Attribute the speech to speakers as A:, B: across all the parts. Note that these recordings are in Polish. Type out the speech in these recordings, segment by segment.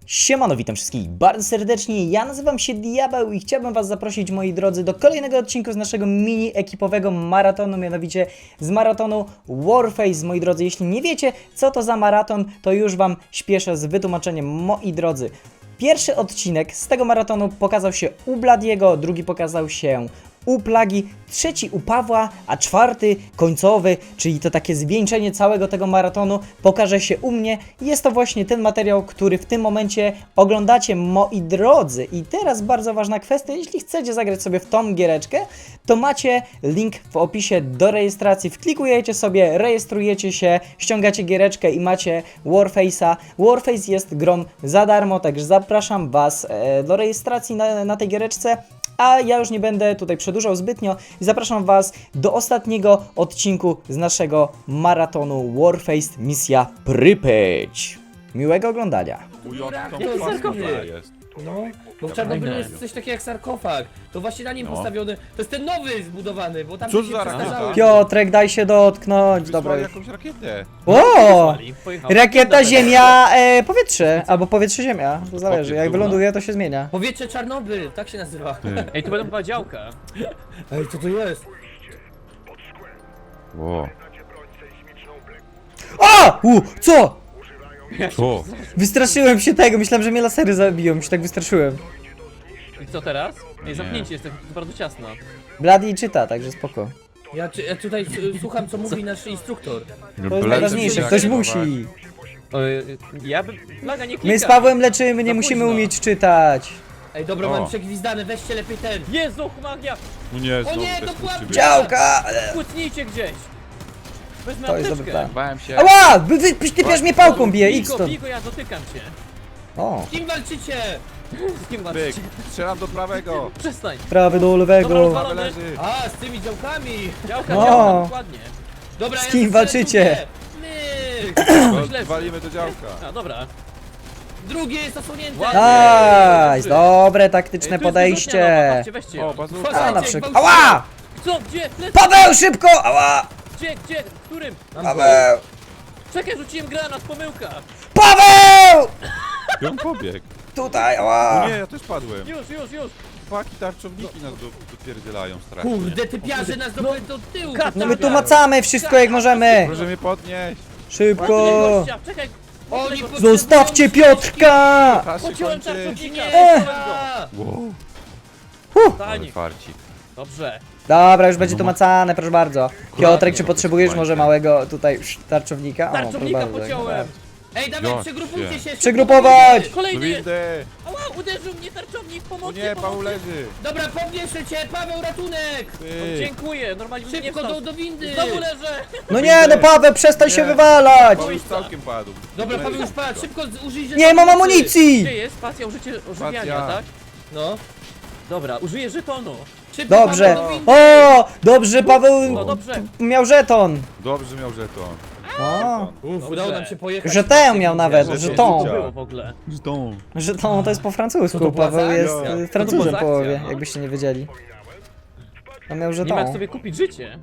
A: Siemano, witam wszystkich bardzo serdecznie, ja nazywam się Diabeł i chciałbym was zaprosić, moi drodzy, do kolejnego odcinku z naszego mini-ekipowego maratonu, mianowicie z maratonu Warface. Moi drodzy, jeśli nie wiecie, co to za maraton, to już wam śpieszę z wytłumaczeniem, moi drodzy. Pierwszy odcinek z tego maratonu pokazał się u Bladiego, drugi pokazał się u Plagi, trzeci u Pawła, a czwarty, końcowy, czyli to takie zwieńczenie całego tego maratonu, pokaże się u mnie. Jest to właśnie ten materiał, który w tym momencie oglądacie, moi drodzy. I teraz bardzo ważna kwestia, jeśli chcecie zagrać sobie w tą giereczkę, to macie link w opisie do rejestracji. Wklikujecie sobie, rejestrujecie się, ściągacie giereczkę i macie Warface'a. Warface jest grą za darmo, także zapraszam was do rejestracji na tej giereczce. A ja już nie będę tutaj przedłużał zbytnio i zapraszam was do ostatniego odcinku z naszego maratonu Warface Misja Prypeć. Miłego oglądania.
B: Jest.
C: No, bo w Czarnobylu jest coś takiego jak sarkofag. To właśnie na nim postawiony. To jest ten nowy zbudowany, bo tam
B: Cóż
C: się
B: za
C: przestarzały.
B: rakieta?
A: Piotrek, daj się dotknąć. Dobra
B: Wysłali
A: już.
B: jakąś rakietę.
A: O! Rakieta, ziemia, powietrze. Albo powietrze, ziemia. To zależy. Jak wyląduje, to się zmienia.
C: Powietrze Czarnobyl, tak się nazywa.
D: Ej, tu będą chyba działka.
C: Ej, co to jest?
B: Ło.
A: O! Co?
B: Co?
A: Wystraszyłem się tego. Myślałem, że mnie lasery zabiją. Się tak wystraszyłem.
D: I co teraz? Ej, zamknięcie jest, to bardzo ciasno.
A: Blady czyta, także spoko.
C: Ja tutaj słucham, co mówi nasz instruktor.
A: To jest najważniejsze. Ktoś musi.
D: O, ja bym... Plaga nie klika.
A: My z Pawłem leczymy, nie
D: Za
A: musimy
D: późno.
A: umieć czytać.
C: Ej, dobra,
B: O.
C: mam przegwizdane, weźcie lepiej ten.
D: Jezu, magia!
B: No nie, znowu
C: nie,
B: te
C: dokładnie.
B: skurczybyki.
A: Działka!
D: Kłócnijcie gdzieś! Wezmę
A: To jest
D: apteczkę.
A: dobry plan.
B: Bałem się.
A: Ała! Ty też mnie pałką bije, idź
D: Bigo,
A: stąd.
D: Bigo, ja dotykam cię.
A: O,
C: Z kim walczycie?
D: Z kim
B: Byk.
D: walczycie?
B: Strzelam do prawego.
D: Przestań.
A: prawy do
D: Dobra,
A: lewego.
D: rozwalone.
B: Prawy leży.
C: A, z tymi działkami.
D: Działka,
A: No.
D: działka, dokładnie.
C: Dobra,
A: Z
C: ja
A: kim
C: strzelę
A: walczycie?
C: drugie. Myk.
D: Źle.
B: Walimy do działka.
D: A, dobra.
C: Drugie jest osłonięte.
A: Nice! Dobre
D: Ej,
A: taktyczne
D: tu jest
A: podejście.
D: wyrzutnia nowa, patrzcie, weźcie
B: O,
D: ją.
B: bazooka.
A: A, na
C: Uważajcie,
A: przykład.
C: gwałcimy.
A: Ała!
D: Co? Gdzie? Lecz.
A: Paweł, szybko! Ała!
D: Gdzie? Którym?
A: Paweł!
D: Czekaj, rzuciłem granat, pomyłka.
A: Paweł!
B: I on pobiegł.
A: Tutaj,
B: O
A: ała!
B: nie, ja też padłem.
D: Już.
B: Paki tarczowniki nas dopierdzielają strasznie.
C: Kurde, ty piarze nas do tyłu.
D: Kat-
A: No my tu macamy wszystko jak możemy.
B: Proszę mnie podnieść.
A: Szybko!
D: Gościa, czekaj.
C: Oni
A: Zostawcie Piotrka!
B: Czas się
D: Pociąłem
B: kończy.
D: tarczownika.
A: Ech.
B: Wow. Ale
D: Stań.
B: farcik.
D: Dobrze.
A: Dobra, już będzie tu macane, proszę bardzo. Piotrek, czy
B: no,
A: potrzebujesz
B: to
A: może
B: jest
A: małego tutaj tarczownika? O, proszę
D: Tarczownika
A: bardzo,
D: pociąłem.
C: Ej, dawaj,
B: Gość,
C: przegrupujcie się.
A: Przegrupować!
B: Do
D: Kolejny jest.
B: windy.
D: Ała, uderzył mnie tarczownik,
B: O
D: pomocy,
B: nie, Paweł
D: pomocy.
B: leży.
C: Dobra, podnieszę cię, Paweł, ratunek!
B: Ty.
D: Dziękuję, normalnie bym nie
C: Szybko
D: wstał.
C: do windy!
D: Znowu leżę.
A: No nie, no Paweł, przestań się wywalać!
B: Paweł już całkiem padł.
C: Dobra, Paweł już padł, szybko użyj
A: Nie mam
D: Gdzie
A: amunicji!
D: jest? Spacja, użycie ożywiania,
B: Spacja.
D: tak?
C: No,
D: Dobra, użyję żetonu.
C: szybko
A: Dobrze.
C: Paweł, do windy!
A: O, dobrze, Paweł
D: No dobrze.
A: miał żeton.
B: Dobrze, że miał żeton.
A: O,
C: Uf, udało nam się pojechać.
A: żeton miał nawet,
B: Żeton.
D: Co
A: żeton.
D: to było w ogóle?
B: Żeton.
A: Żeton to jest po
C: Co
A: francusku,
C: to była
A: Paweł
C: za
A: jest
C: akcja?
A: Francuzem
D: To była za
A: połowie,
D: akcja, no.
A: jakbyście nie wiedzieli. On miał
D: Nie ma jak
A: żeton.
D: sobie kupić życie.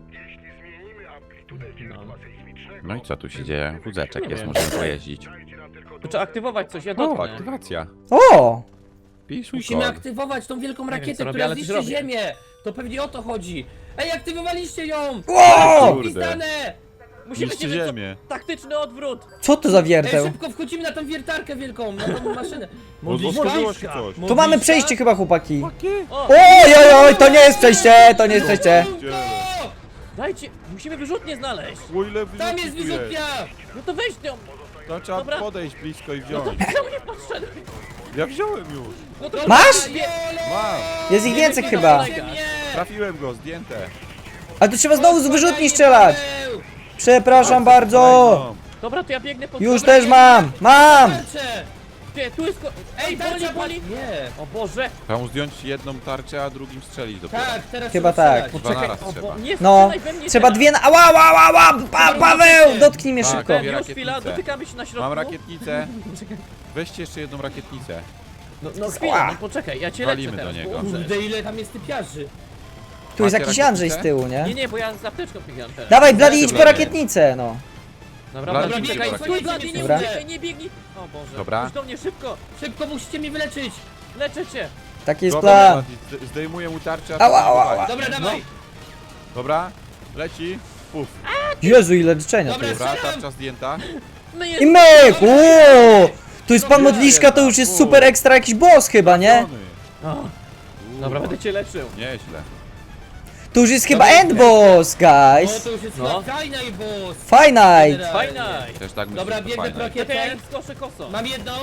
D: No.
B: No i co tu się dzieje? Wózeczek
D: Nie
B: jest,
D: wiem.
B: możemy pojeździć.
D: To trzeba aktywować coś, ja
B: O,
D: dotknę.
B: aktywacja.
A: O!
B: Pisz
C: Musimy
B: kod.
C: aktywować tą wielką
D: wiem,
C: rakietę,
D: co robię,
C: która
D: ale coś
C: zniszczy
D: robię.
C: ziemię! To pewnie o to chodzi! Ej, aktywowaliście ją!
A: Wow!
B: Kurde.
C: Pistane!
D: Musimy
B: Niszczy
D: się
B: ziemię.
D: taktyczny odwrót.
A: Co to za
C: Ej,
A: wierteł?
C: szybko wchodzimy na tą wiertarkę wielką, na tą maszynę.
B: Otworzyło się coś.
A: Tu mamy przejście chyba, chłopaki.
D: O,
A: Oj, oj, oj, to nie jest przejście, to nie jest przejście.
D: dajcie, musimy wyrzutnię znaleźć.
B: O, ile
C: Tam jest
B: wyrzutni tu
C: wyrzutnia!
D: No to weź ją.
B: Tam trzeba
D: Dobra.
B: podejść blisko i
D: No to
B: wziąć.
D: czemu nie podszedł?
B: Ja wziąłem już.
D: No to
A: Masz?
B: Mam.
A: Jest ich więcej
D: wygląda
A: chyba.
D: kolega.
B: Trafiłem go, zdjęte.
A: Ale to trzeba znowu z wyrzutni strzelać.
C: Paweł!
A: Przepraszam bardzo.
B: Kolejną.
D: Dobra, to ja biegnę po...
A: Już
D: Dobra,
A: też mam, mam.
C: Tarczę!
D: Gdzie? Tu jest...
C: Ej,
D: boli,
C: tarcza
D: boli.
C: Nie!
D: O Boże.
B: Trzeba mu zdjąć jedną tarczę, a drugim strzelić dopiero.
C: Tak, teraz
A: Chyba
C: trzeba
A: tak.
C: strzelać.
B: Dwa
D: Czekaj,
B: naraz
D: o
B: trzeba.
D: bo... Nie
A: No,
D: strzelaj we mnie
A: trzeba
D: teraz.
A: dwie na... Ała, ała, ała, ała, Paweł, dotknij mnie
B: Tak.
A: szybko.
B: Dwie
D: Już chwila,
B: rakietnice.
D: dotykamy się na środku.
B: Mam rakietnicę. Weźcie jeszcze jedną rakietnicę.
D: No chwila, no poczekaj, ja cię leczę
B: Walimy
D: teraz.
B: do niego.
D: Boże.
C: Kurde, ile tam jest typiarzy!
A: Tu jest
B: Macie
A: jakiś Andrzej z
B: rakietnicę?
A: tyłu, nie?
D: Nie, bo ja z apteczką biegam teraz.
A: Dawaj, Blady, idź po
B: Blady.
A: rakietnicę, no.
D: Dobra,
B: Blady,
D: Blady,
B: czekaj,
D: czekaj, stój, Blady, nie
A: Dobra.
D: uciekaj, nie biegnij! O Boże,
B: Dobra.
D: chodź do mnie szybko!
C: Szybko musicie mnie wyleczyć.
D: Leczę cię!
A: Taki jest
B: Dobra,
A: plan.
B: Blady, zdejmuję mu tarczę,
A: Ała,
B: a ty
A: ała,
B: dawaj.
A: ała.
C: Dobra, dawaj.
B: Dobra, leci. Puf.
A: Jezu, ile leczenia tu
C: Dobra.
A: jest.
B: Dobra,
C: Strzelam.
B: tarcza zdjęta.
D: No
A: I
D: jest!
A: myk! Uuu! Tu jest pan
B: Dobra,
A: modliszka, to już jest super ekstra jakiś boss chyba, nie?
B: Trafiony.
D: O, dobra, będę cię leczył.
B: Nieźle.
A: To już jest chyba
C: Dobra,
A: end boss,
C: No
A: guys.
C: to już jest
D: No.
C: fajna i boss.
A: Fine.
D: Fajna!
B: Też tak myślę,
C: Dobra,
B: że to
C: biegnę
B: fajne.
C: pro
D: Czekaj, ja
C: rakietę.
D: ich skoszę kosą.
C: Mam jedną.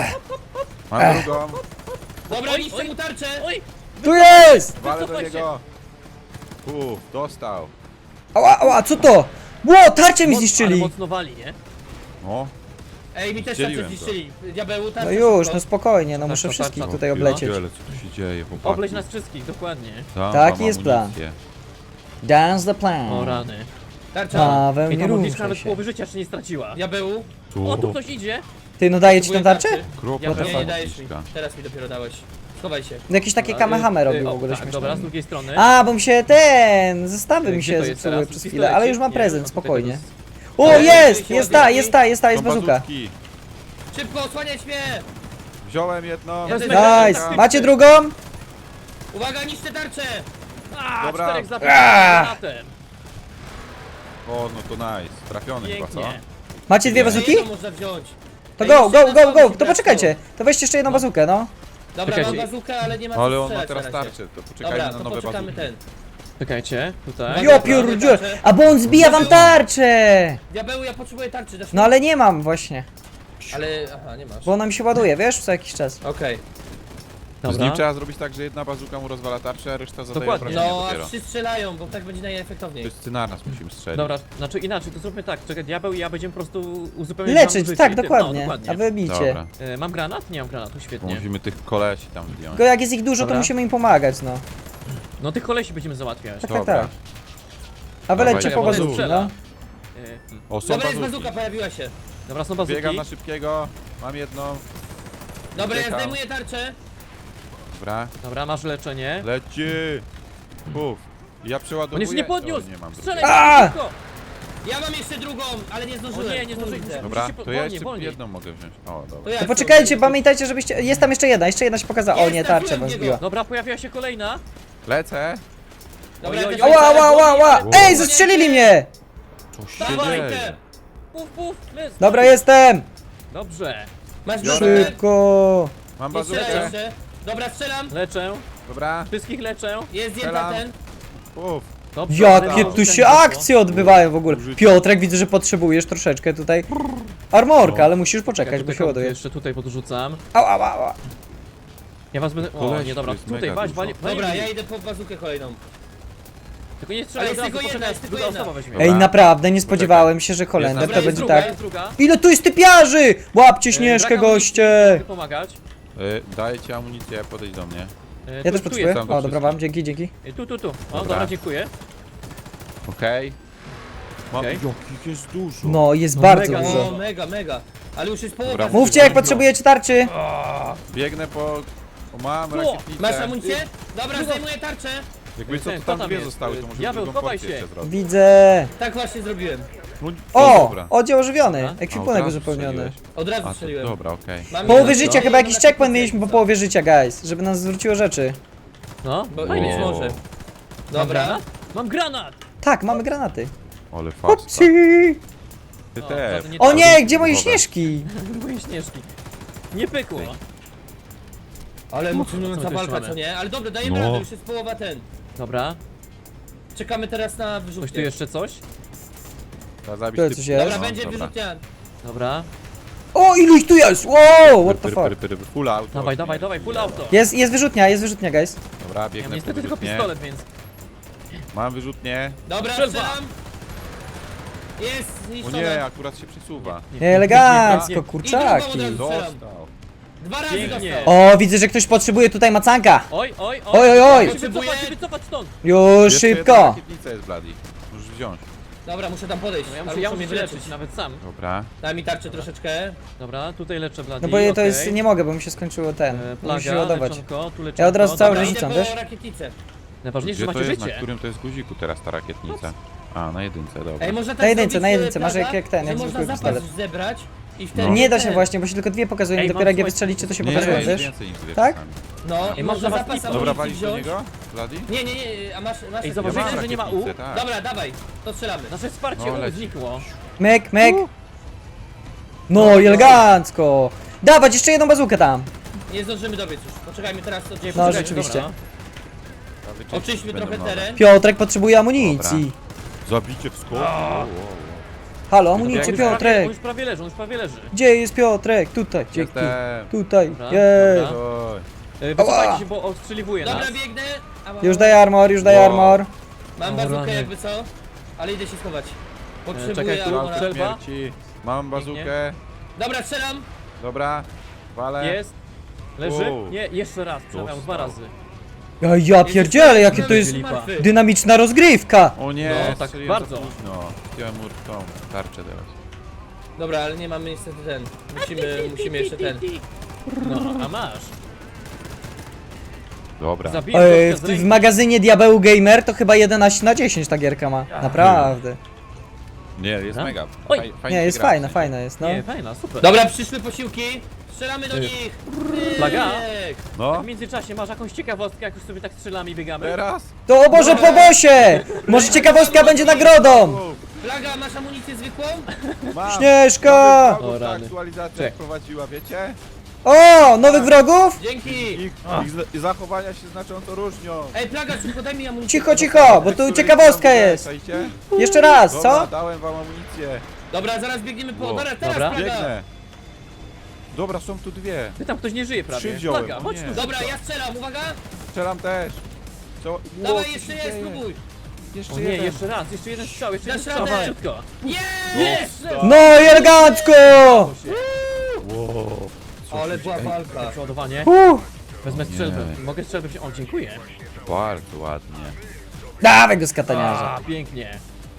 B: Mam drugą.
C: Dobra,
D: Oj,
C: niszczę
D: oj.
C: mu tarczę.
D: Oj!
A: Tu jest!
B: Walę do
D: Wycofaj
B: niego. Puf, dostał.
A: Ała, ała, co to? Ło, tarczę mi
D: Ale
A: zniszczyli.
D: mocno wali, nie?
B: O,
C: Ej, mi też
B: Zdzieliłem
C: tarczę
B: to.
C: zniszczyli. Diabeł, tarczę
A: No już,
C: szybko.
A: no spokojnie, no
D: Tak,
A: muszę
D: to
A: wszystkich
D: tarcza.
A: tutaj oblecieć.
B: pierdziele, co tu się dzieje, chłopaki?
D: Obleź nas wszystkich, dokładnie.
B: Tam
A: Taki
B: mam
A: jest plan.
B: amunicję.
A: Dance the plan.
D: O rany.
C: Tarcza.
A: Paweł,
D: I
A: nie
D: ta modliszka
A: ruszaj
D: nawet
A: się.
D: połowy życia jeszcze nie straciła.
C: Diabeł.
D: O, tu ktoś idzie!
A: Ty, no daję ci tą
C: Próbuję
A: tarczę?
B: Kropla
D: Ja
C: Nie,
B: ta
C: nie dajesz mi.
B: modliszka.
C: Teraz mi dopiero dałeś. Schowaj się.
A: Jakieś takie
D: Dobra,
A: kamehame robił w
D: o,
A: ogóle
D: tak,
A: śmieszne.
D: dobra, z drugiej strony.
A: A, bo mi się zestawy mi
D: Gdzie
A: się
D: to jest
A: zepsuły
D: teraz?
A: przez
D: Pistolecik?
A: chwilę, ale już mam
D: Nie,
A: prezent,
D: no tutaj
A: spokojnie.
D: to
A: O,
C: Ale
A: jest!
C: się
A: Jest
C: odbierali.
A: jest
B: Są
A: bazuka.
B: bazówki.
C: Szybko, osłaniać mnie.
B: Wziąłem jedną.
C: Ja też
A: Nice! Macie drugą?
C: Uwaga, niszczę tarczę.
D: A,
B: Dobra.
D: 4 granatem.
B: O, no to nice. Trafiony chyba, co?
D: Pięknie.
A: Macie dwie
B: Nie.
A: bazuki?
C: Jedną można wziąć.
A: To
C: Ej,
A: go,
C: jeszcze
A: go,
C: jedna
A: go,
C: słaba
A: go!
C: się
A: To poczekajcie, to weźcie jeszcze jedną bazukę, no.
C: Dobra,
D: Czekajcie.
C: mam bazukę, ale nie ma
B: Ale
C: co
B: on ma
C: strzelać
B: teraz
C: na razie.
B: tarczę, to poczekajmy
C: Dobra,
B: na
C: to
B: nowe
C: poczekamy
B: bazuki.
C: ten.
D: Czekajcie, tutaj.
C: Uwaga.
A: Jo, pierdziu! A bo on zbija wam tarczę!
C: Diabeł, ja potrzebuję tarczy, dasz mi?
A: No ale nie mam właśnie,
C: Ale, aha, nie masz.
A: bo ona mi się ładuje, wiesz, co jakiś czas.
C: Okej.
B: Z nim
D: Dobra.
B: trzeba zrobić tak, że jedna bazuka mu rozwala tarczę, a reszta zadaje
D: Dokładnie.
B: obrażenia
C: No, a
B: dopiero.
C: wszyscy strzelają, bo tak będzie
B: To
C: najefektowniej.
B: jest na nas musimy strzelić.
D: Dobra, znaczy inaczej, to zróbmy tak. Czekaj, diabeł i ja będziemy po prostu uzupełniać
A: Leczyć,
D: wam
A: tak,
D: życie i
A: dokładnie.
D: No, dokładnie.
A: A wy bijcie.
B: Dobra,
D: Mam granat? Nie mam granatu,
B: bo
D: świetnie.
B: musimy tych kolesi tam zdjąć.
A: Tylko jak jest ich dużo, to
D: Dobra.
A: musimy im pomagać, no.
D: No tych kolesi będziemy załatwiać.
A: Tak,
B: Dobra.
A: tak. A wy
B: Dawaj,
A: lećcie
B: czekaj,
A: po
B: bo
A: bazuki,
D: strzela.
A: no.
B: O, są
C: Dobra, jest
B: bazuki.
C: bazuka, pojawiła się.
D: Dobra, są bazuki.
B: Biegam na szybkiego, mam jedną.
C: Dobra, ja
B: Uciekam.
C: zdejmuję tarczę.
B: Dobra,
D: Dobra, masz leczenie.
B: leci. Puf. Ja
D: On
B: przeładowuję.
D: jeszcze nie podniósł!
B: O, nie mam
D: Strzelaj
B: drugiej.
A: A!
D: szybko!
C: Ja mam jeszcze drugą, ale nie
D: O
C: zdążyłem.
D: nie, nie zdążyłem.
C: Kurde.
B: Dobra,
D: Musicie
B: to ja
D: wolniej,
B: jeszcze
D: wolniej.
B: jedną mogę wziąć. O,
C: To
B: dobra.
C: ja
A: To poczekajcie,
C: chcę-
A: pamiętajcie, żebyście... Jest tam jeszcze jedna się pokazała. O
C: Jest,
A: nie, tarczę
C: trafiłem
A: was
C: w niego.
A: zbiła.
D: Dobra, pojawiła się kolejna.
B: Lecę.
C: Dobra,
D: Oj,
C: ja
D: oj,
C: też
D: oj.
A: Ała,
C: lecę.
A: ała, ała, ała!
B: Wow.
A: Ej, zastrzelili mnie!
B: Co się
C: Dawaj
B: dzieje?
C: te.
D: Puf, puf, lec.
A: Dobra, jestem!
D: Dobrze.
C: Masz
B: Biorę.
C: bazookę?
A: Szybko!
B: Mam
C: Nie strzelaj
B: bazookę.
C: jeszcze. Dobra, strzelam.
D: Leczę.
B: Dobra,
D: Wszystkich leczę.
C: Jest zdjęta
B: Strzelam.
C: ten.
B: puf.
D: Dobrze.
A: Jakie
B: Dobra.
A: tu się akcje odbywają w ogóle. Piotrek, widzę, że potrzebujesz troszeczkę tutaj armorka, ale musisz poczekać, bo się ładuje.
D: Jeszcze tutaj podrzucam.
A: Ała, ała, ała.
D: Ja was będę... O,
B: Koleś,
D: nie, dobra,
B: tu jest
D: tutaj,
B: mega
D: weź,
B: dużo.
C: Dobra, ja idę po bazukę kolejną.
D: Tylko nie strzelaj
C: Ale
D: od
C: jest
D: razu,
C: tylko jedna,
D: poczekaj,
C: jest tylko
D: druga
C: jedna.
D: osoba weźmie.
B: Dobra.
A: Ej, naprawdę, nie spodziewałem się, że Holender
B: Jest
A: to
C: na-
A: będzie
C: druga,
A: tak.
D: Jest druga.
A: Ile tu jest typiarzy! Łapcie Śnieżkę,
D: Brak amunicji,
A: goście!
D: mogę pomagać.
B: Daję ci amunicję, podejdź do mnie.
A: Ja
D: Tu-
A: też
D: tu
A: potrzebuję.
D: jest.
B: tam do
A: O, dobra,
B: wszystkich.
A: wam, dzięki, dzięki.
D: Tu. O,
B: Dobra.
D: dobra, dziękuję.
B: Okej. Mam...
D: Okej.
B: Jakich jest dużo.
A: No, jest
D: No,
A: bardzo
D: mega,
A: dużo.
C: O, mega, mega. Ale już jest połowa.
B: Dobra,
C: bazuki.
A: Mówcie, jak potrzebujecie tarczy!
B: Biegnę po... O, mam
D: O,
B: rakietnicę.
C: Masz amunicję? Dobra, zdejmuję tarczę.
B: Jakby co, to
D: Kto
B: tam
D: tam
B: dwie
D: jest?
B: zostały, to może
D: Diabeł,
B: drugą
D: chowaj
B: porcję
D: się.
B: jeszcze zrobić.
A: Widzę.
C: Tak właśnie zrobiłem.
B: No,
A: O!
B: dobra.
A: Oddział ożywiony.
D: Dobra.
B: A,
A: Ekwipunek
B: od razu
A: uzupełniony.
B: strzeliłeś.
C: Od razu
B: A, to,
C: strzeliłem.
B: dobra, okej.
C: Mam
A: Połowy
C: jedną,
A: życia,
C: no,
A: chyba
C: jedną
A: jakiś
C: na
A: checkpoint mieliśmy po połowie życia, guys. Żeby nas zwróciło rzeczy.
D: No,
C: Bo
D: fajnie.
C: być
B: O.
C: może.
D: Mam
C: Dobra.
D: granat? Mam granat!
A: Tak, mamy granaty.
B: Ale fasta.
A: Hopsi!
B: Ty
D: O,
B: też.
D: to nie
A: O
D: tak.
A: nie, gdzie moje
B: Dobra.
A: śnieżki?
D: Moje śnieżki. Nie pykło.
C: Ale
D: co
C: emocjonująca
D: my tu
C: walka,
D: mamy?
C: co nie? Ale dobra, dajemy
B: No.
C: radę, już jest połowa ten.
D: Dobra.
C: Czekamy teraz na
D: Coś tu
C: wyrzutnię.
D: jeszcze coś?
B: Trzeba zabić
A: Tu
B: typ-
A: coś jest?
C: Dobra,
B: No,
C: będzie
B: dobra.
C: wyrzutnia.
D: Dobra.
A: O, ilu ich tu jest? Wow, what the fuck?
B: Full auto.
D: Dawaj, full auto.
A: Jest wyrzutnia, guys.
B: Dobra,
D: Ja
B: biegnę
D: mam niestety
B: po
D: tylko
B: wyrzutnię.
D: pistolet, więc...
B: Mam wyrzutnię.
C: Dobra,
D: Strzelba.
C: strzelam. Jest
B: O
C: zniszczone.
B: nie, akurat się przesuwa.
A: Elegancko,
C: I drugą
A: kurczaki.
C: od razu strzelam.
B: Dostał.
C: 2 razy
D: Pięknie.
C: dostał.
A: O, widzę, że ktoś potrzebuje tutaj macanka.
D: Oj.
A: Oj, oj, oj.
D: Musimy wycofać stąd.
A: Już
B: Jeszcze jedna
A: szybko.
B: rakietnica jest, Bloody. Możesz wziąć.
C: Dobra, muszę tam podejść.
D: No, ja
C: Ale
D: muszę
C: mnie
D: mnie wyleczyć nawet sam.
B: Dobra.
C: Daj mi tarczę troszeczkę.
D: Dobra, tutaj leczę Blady.
A: No bo to
D: okej.
A: jest, nie mogę, bo mi się skończyło ten. Muszę się
D: Plaga,
A: ładować.
D: leczonko, tu leczonko.
A: Ja od razu cały
D: Dobra.
A: czas
C: Idę
A: rzucam,
C: po
A: wiesz?
C: rakietnicę.
D: Najważniejsze,
B: Gdzie
D: że
B: to
D: macie
B: jest, na
D: życie.
B: którym to jest guziku teraz ta rakietnica? A, na jedynce, dobra.
C: Ej, można tak
A: Na jedynce,
C: zrobić,
A: na jedynce,
C: Plaga,
A: masz jak ten,
C: że
A: jak
C: można
A: zwykły
C: zapas
A: pistolet.
C: zebrać i wtedy...
A: Nie da się
C: ten.
A: właśnie, bo się tylko dwie pokazują,
D: Ej,
A: dopiero
D: mam
A: jak je
D: słuchaj-
A: wystrzelicie, to się
B: Nie,
A: pokazują,
B: jest
A: wiesz?
B: więcej niż dwie
A: Tak?
B: czasami.
C: No, i
D: Ej,
C: można
D: można
C: zapas
D: was-
B: Dobra,
C: amunicji
B: walić do
C: wziąć.
B: niego? Vladi?
C: Nie, a masz
D: Ej,
C: takie-
D: zauważyłeś,
B: Ja mam
D: że nie ma U?
B: rakietnicę, tak.
C: Dobra, dawaj, to strzelamy.
D: Nasze wsparcie
B: No, leci.
D: znikło.
A: Myk, myk. No i elegancko. Dawać jeszcze jedną bazukę tam.
C: Nie zdążymy dobiec już, poczekajmy teraz to
A: No,
D: Poczekajcie,
A: rzeczywiście.
D: dobra.
C: Oczyśmy
B: Będą
C: trochę
B: nowe.
C: teren.
A: Piotrek potrzebuje amunicji.
B: Zabicie w skok.
A: Halo,
D: On
A: amunicję,
D: już prawie-
A: Piotrek.
D: On już prawie leży, on już prawie leży.
A: Gdzie jest Piotrek? Tutaj, gdzie tu?
B: Jestem.
A: Tutaj,
D: Dobra,
A: jej.
D: dobra.
B: Oj.
D: Wycofajcie się, bo ostrzeliwuje nas.
C: Dobra, biegnę.
A: Już daj armor, już daj
B: Wow.
A: armor.
C: Mam
D: O,
C: bazookę
D: rany.
C: jakby co, ale idę się schować. Potrzebuję
D: czekaj, tu
C: armora.
D: strzel- Strzelba?
B: Śmierci. Mam bazukę.
C: Dobra, strzelam.
B: Dobra. Walę.
D: Jest. Leży?
B: Wow.
D: Nie, jeszcze raz, przynajmniej dwa razy.
A: Ja pierdzielę, jakie to jest
D: lipa.
C: martwy.
A: dynamiczna rozgrywka.
B: O nie,
D: No, tak
B: strzeliłem za
D: bardzo.
B: późno. Zdjąłem mur w tą tarczę teraz.
C: Dobra, ale nie mamy niestety ten. Musimy jeszcze ten.
D: No, a masz.
B: Dobra.
D: Zabiję gościa z
A: W
D: ręki.
A: magazynie Diabeł Gamer to chyba 11/10 ta gierka ma. Naprawdę.
B: Nie, jest
D: Dobra.
B: mega.
D: Oj.
B: Fajnie
A: Nie,
B: się
A: jest
B: gra,
A: fajna,
B: w sensie.
A: fajna jest, no.
D: Nie, fajna, super.
C: Dobra, przyszły posiłki. Strzelamy do nich.
D: Plaga?
C: Pyk.
B: No,
D: W międzyczasie masz jakąś ciekawostkę, jak już sobie tak strzelamy i biegamy?
B: teraz.
A: To o Boże, po bosie! Może ciekawostka będzie nagrodą!
C: Plaga, masz amunicję zwykłą?
B: Mam.
A: Śnieżka!
B: Nowych wrogów
D: O,
B: ta
D: rany.
B: aktualizacja
D: Czek.
B: wprowadziła, wiecie?
A: O, nowych wrogów?
C: Dzięki.
B: Ich zachowania się znacząco różnią.
C: Ej, Plaga, szybko daj mi amunicję.
A: Cicho, cicho, bo tu ciekawostka jest.
B: Słuchajcie.
A: Jeszcze raz,
B: Dobra,
A: co?
B: dałem wam amunicję.
C: Dobra, zaraz biegniemy po...
B: Wow.
C: Dobra, teraz
D: Dobra.
C: Plaga.
B: Biegnę. Dobra, są tu dwie.
D: Ty tam ktoś nie żyje prawie.
B: Trzy wziąłem,
D: Plaga,
B: o
D: chodź
B: nie.
D: tu.
C: Dobra, ja strzelam, uwaga.
B: Strzelam też. Co?
C: Dawaj,
B: co
C: jeszcze
B: się
C: jest,
B: dzieje?
C: spróbuj.
B: Jeszcze
D: O nie,
B: jeden.
D: jeszcze raz, jeszcze jeden strzał, jeszcze jeden
C: Dasz
D: strzał,
C: radę.
D: szybko.
C: Jest!
A: No i elegancko!
B: Wow.
C: Ale była walka.
D: Przeładowanie. Wezmę strzelbę.
B: Nie.
D: Mogę strzelbę wziąć? O, dziękuję.
B: Bardzo ładnie.
A: Dawaj go z kataniarza.
D: A, pięknie.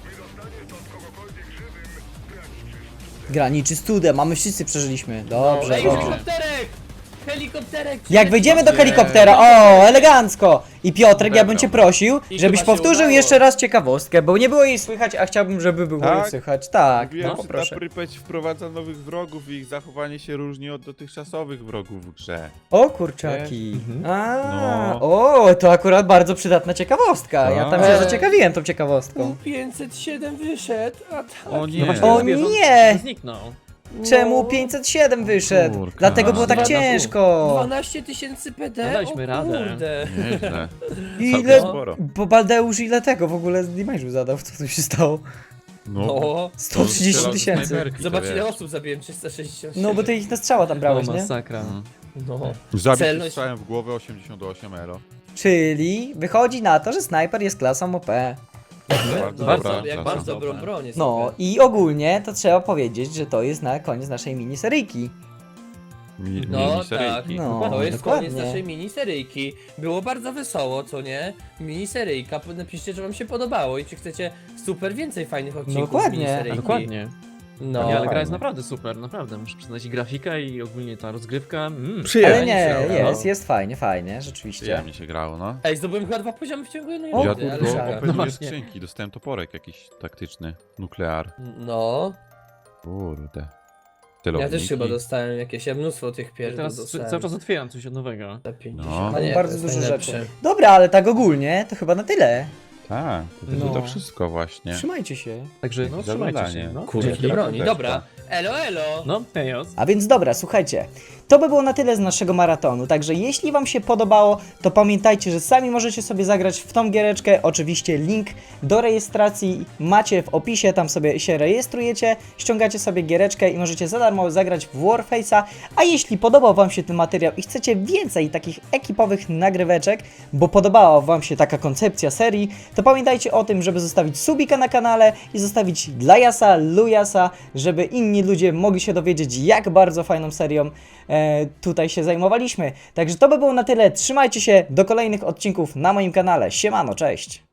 A: Graniczy z cudem, a my wszyscy przeżyliśmy. Dobrze,
C: Ej,
A: dobrze.
C: helikopterek! Helikopterek!
A: Jak wejdziemy do
B: Nie.
A: helikoptera, o, elegancko! I Piotrek, ja bym cię prosił,
C: I
A: żebyś
C: chyba się
A: powtórzył
C: udało.
A: jeszcze raz ciekawostkę, bo nie było jej słychać, a chciałbym, żeby było jej
B: Tak?
A: słychać. Tak,
B: Mówiłem,
A: no
B: że ta
A: poproszę.
B: Prypeć wprowadza nowych wrogów i ich zachowanie się różni od dotychczasowych wrogów w grze.
A: O kurczaki. A,
B: No.
A: o, to akurat bardzo przydatna ciekawostka. Ja tam się
C: Tak.
A: zaciekawiłem tą ciekawostką.
C: 507 wyszedł, a tak.
B: O nie.
D: No właśnie,
A: O
D: mówię, że on
A: nie!
D: Zniknął.
A: Czemu 507 wyszedł?
B: Kurka.
A: Dlatego było tak
D: Dwa na pół.
A: ciężko.
C: 12 000 PD?
D: No daliśmy
C: o
D: radę.
C: kurde.
B: Nieźle.
A: Ile,
B: Całkiem sporo.
A: bo Baldeusz ile tego w ogóle z damage'u zadał? Co tu się stało?
C: No.
A: 130 000.
C: Zobacz ile osób zabiłem, 360.
A: No bo ty ich na strzała tam brałeś,
D: O,
A: nie?
D: masakra.
C: No.
B: Zabić
C: Celność-
B: strzałem w głowę 88 elo.
A: Czyli wychodzi na to, że snajper jest klasą OP.
D: Bardzo,
C: Jak
B: klasa.
C: bardzo dobrą broń jest.
A: No i ogólnie to trzeba powiedzieć, że to jest na koniec naszej miniseryjki.
C: No,
B: Miniseryjki.
A: No.
C: To jest
A: dokładnie.
C: koniec naszej miniseryjki. Było bardzo wesoło, co nie? Miniseryjka. Napiszcie, czy wam się podobało i czy chcecie super więcej fajnych odcinków
A: Dokładnie.
C: z miniseryjki.
D: A, dokładnie.
C: No.
D: Nie, ale gra
B: fajnie.
D: jest naprawdę super, naprawdę. Muszę przyznać i grafika i ogólnie ta rozgrywka.
A: Ale nie,
C: Fajnie się
A: jest fajnie, rzeczywiście.
B: Przyjemnie się grało, no.
C: Ej, zdobyłem chyba 2 poziomy w ciągu jednej
A: O,
B: Ja
C: rundy,
B: tu
C: ale
B: tylko
A: szalone.
C: szaka.
B: openuję
D: właśnie.
B: skrzynki, dostałem toporek jakiś taktyczny, nuklear.
C: No.
B: Kurde.
C: Ja
B: Celowniki.
C: też chyba dostałem jakieś, ja mnóstwo tych
D: Ja
C: pierdół
D: teraz
C: dostałem.
D: cały czas otwieram coś od nowego.
C: Za 50.
B: No.
C: A nie,
A: Bardzo
C: to jest
A: dużo
C: najlepsze.
A: rzeczy. Dobra, ale tak ogólnie to chyba na tyle.
B: Tak,
A: No.
B: to wszystko właśnie.
A: Trzymajcie się.
D: Także no trzymajcie
B: zadanie.
D: się. No,
C: Kurde,
D: dzięki.
C: do broni.
B: Też
C: Dobra.
B: tak.
C: Elo, elo.
D: No, hejos.
A: A więc dobra, słuchajcie, to by było na tyle z naszego maratonu, także jeśli wam się podobało, to pamiętajcie, że sami możecie sobie zagrać w tą giereczkę, oczywiście link do rejestracji macie w opisie, tam sobie się rejestrujecie, ściągacie sobie giereczkę i możecie za darmo zagrać w Warface'a, a jeśli podobał wam się ten materiał i chcecie więcej takich ekipowych nagryweczek, bo podobała wam się taka koncepcja serii, to pamiętajcie o tym, żeby zostawić subika na kanale i zostawić dla Jasa, Lujasa, żeby inni ludzie mogli się dowiedzieć, jak bardzo fajną serią tutaj się zajmowaliśmy. Także to by było na tyle. Trzymajcie się, do kolejnych odcinków na moim kanale. Siemano, cześć!